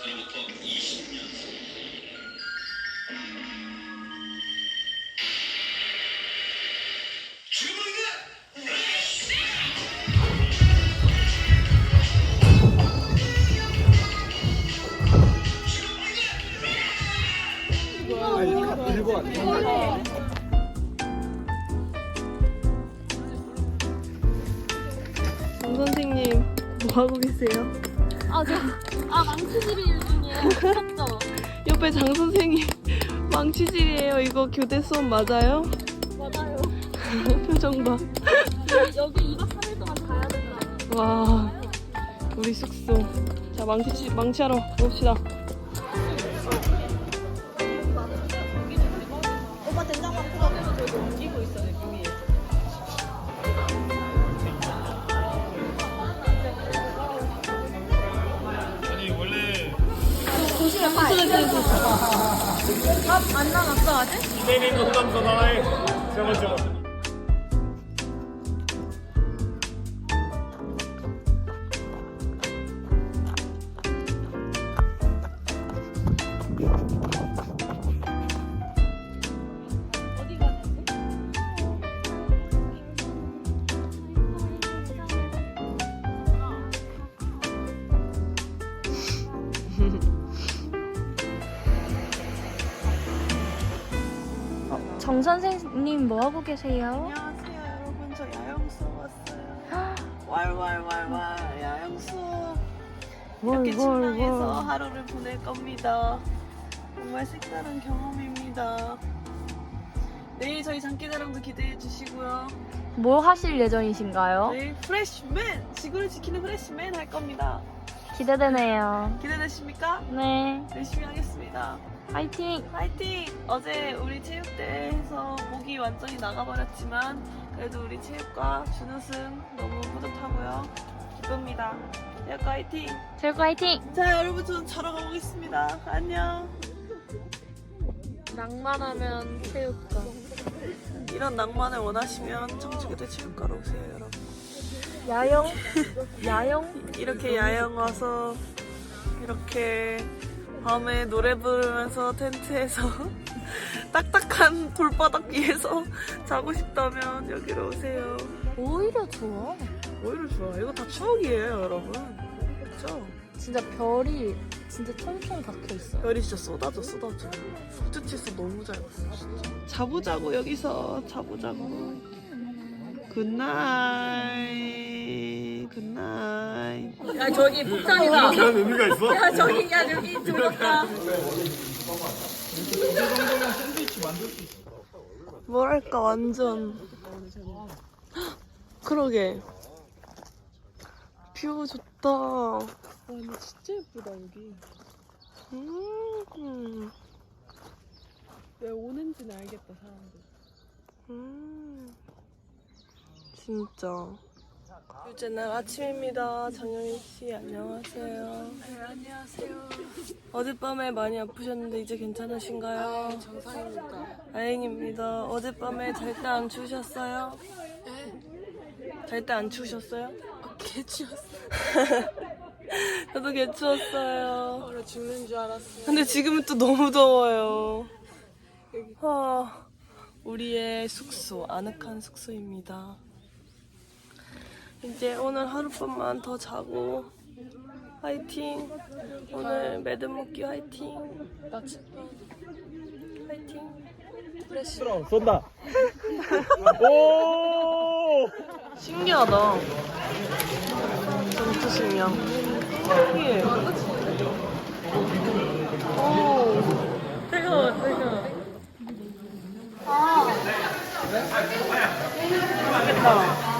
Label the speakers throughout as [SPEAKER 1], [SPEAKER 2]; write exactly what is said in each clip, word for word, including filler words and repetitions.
[SPEAKER 1] 들고 왔네.
[SPEAKER 2] 정 선생님 뭐 하고 계세요?
[SPEAKER 3] 아, 저, 아, 망치질이 일 중이에요. 미쳤죠?
[SPEAKER 2] 옆에 장 선생님 망치질이에요. 이거 교대 수업 맞아요?
[SPEAKER 3] 맞아요.
[SPEAKER 2] 표정 봐.
[SPEAKER 3] 여기, 여기 이 박 삼 일 동안 가야 된다.
[SPEAKER 2] 와, 우리 숙소. 자, 망치 망치하러 봅시다.
[SPEAKER 3] 오빠 된장만 풀어서 저기 옮기고 있어요, 위에.
[SPEAKER 1] 아니 원래
[SPEAKER 3] 조심해, 빨리. 밥안 나갔어, 아직?
[SPEAKER 1] 이메일 농담 전화해. 저거 저거.
[SPEAKER 3] 어디 가는데?
[SPEAKER 4] 정 선생님 뭐 하고 계세요?
[SPEAKER 5] 안녕하세요 여러분, 저 야영 수업 왔어요. 왈왈왈왈 야영 수업. 이렇게 침낭에서 하루를 보낼 겁니다. 정말 색다른 경험입니다. 내일 저희 장기자랑도 기대해 주시고요.
[SPEAKER 4] 뭐 하실 예정이신가요?
[SPEAKER 5] 내일 프레시맨, 지구를 지키는 프레시맨 할 겁니다.
[SPEAKER 4] 기대되네요.
[SPEAKER 5] 기대되십니까?
[SPEAKER 4] 네,
[SPEAKER 5] 열심히 하겠습니다.
[SPEAKER 4] 화이팅!
[SPEAKER 5] 파이팅! 어제 우리 체육대회에서 목이 완전히 나가버렸지만 그래도 우리 체육과 준우승 너무 뿌듯하고요. 기쁩니다. 체육과 파이팅!
[SPEAKER 4] 체육 화이팅!
[SPEAKER 5] 자 여러분, 저는 자러 가보겠습니다. 안녕.
[SPEAKER 3] 낭만하면 체육과.
[SPEAKER 5] 이런 낭만을 원하시면 청주교대 체육과로 오세요 여러분.
[SPEAKER 4] 야영? 야영?
[SPEAKER 5] 이렇게 야영 와서 이렇게 밤에 노래 부르면서 텐트에서 딱딱한 돌바닥 위에서 자고 싶다면 여기로 오세요.
[SPEAKER 4] 오히려 좋아.
[SPEAKER 5] 오히려 좋아. 이거 다 추억이에요 여러분. 그쵸?
[SPEAKER 4] 진짜 별이 진짜 총총 박혀 있어.
[SPEAKER 5] 별이 진짜 쏟아져 쏟아져. 숙제치수 너무 잘 봤어 진짜. 자보자고 여기서 자보자고. 굿나잇 굿나잇.
[SPEAKER 3] 야, 저기 폭탄이다.
[SPEAKER 1] 그런 의미가 있어?
[SPEAKER 3] 야, 저기, 야, 여기 들었다.
[SPEAKER 5] 뭐랄까 완전. 그러게 뷰 좋다. 와 근데 진짜 예쁘다 여기. 음. 왜 오는지는 알겠다 사람들. 음. 진짜. 둘째 날 아침입니다. 장영희 씨 안녕하세요. 네 안녕하세요. 어젯밤에 많이 아프셨는데 이제 괜찮으신가요? 네 정상입니다. 다행입니다. 어젯밤에 잘 때 안 추우셨어요? 네. 잘 때 안 추우셨어요? 어, 개 추웠어요. 저도 개 추웠어요. 얼어 죽는 줄 알았어요. 근데 지금은 또 너무 더워요. 아, 우리의 숙소, 아늑한 숙소입니다. 이제 오늘 하룻밤만 더 자고 화이팅. 오늘 매듭 묶기 화이팅. 화이팅.
[SPEAKER 1] 쏜다. 오!
[SPEAKER 5] 신기하다. 전투 식량. 신기해. 오.
[SPEAKER 3] 뜨거워, 뜨거워.
[SPEAKER 5] 맛있겠다.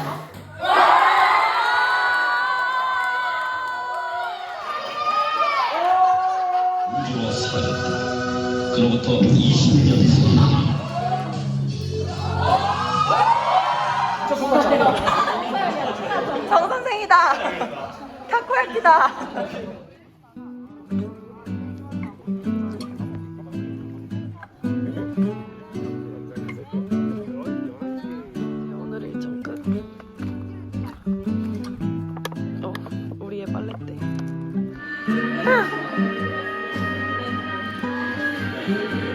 [SPEAKER 6] 우주와 사랑, 그로부터 이십 년
[SPEAKER 5] 정 선생이다. 타코야키다. 오늘 일정 끝. 어, 우리의 빨래대.
[SPEAKER 6] 그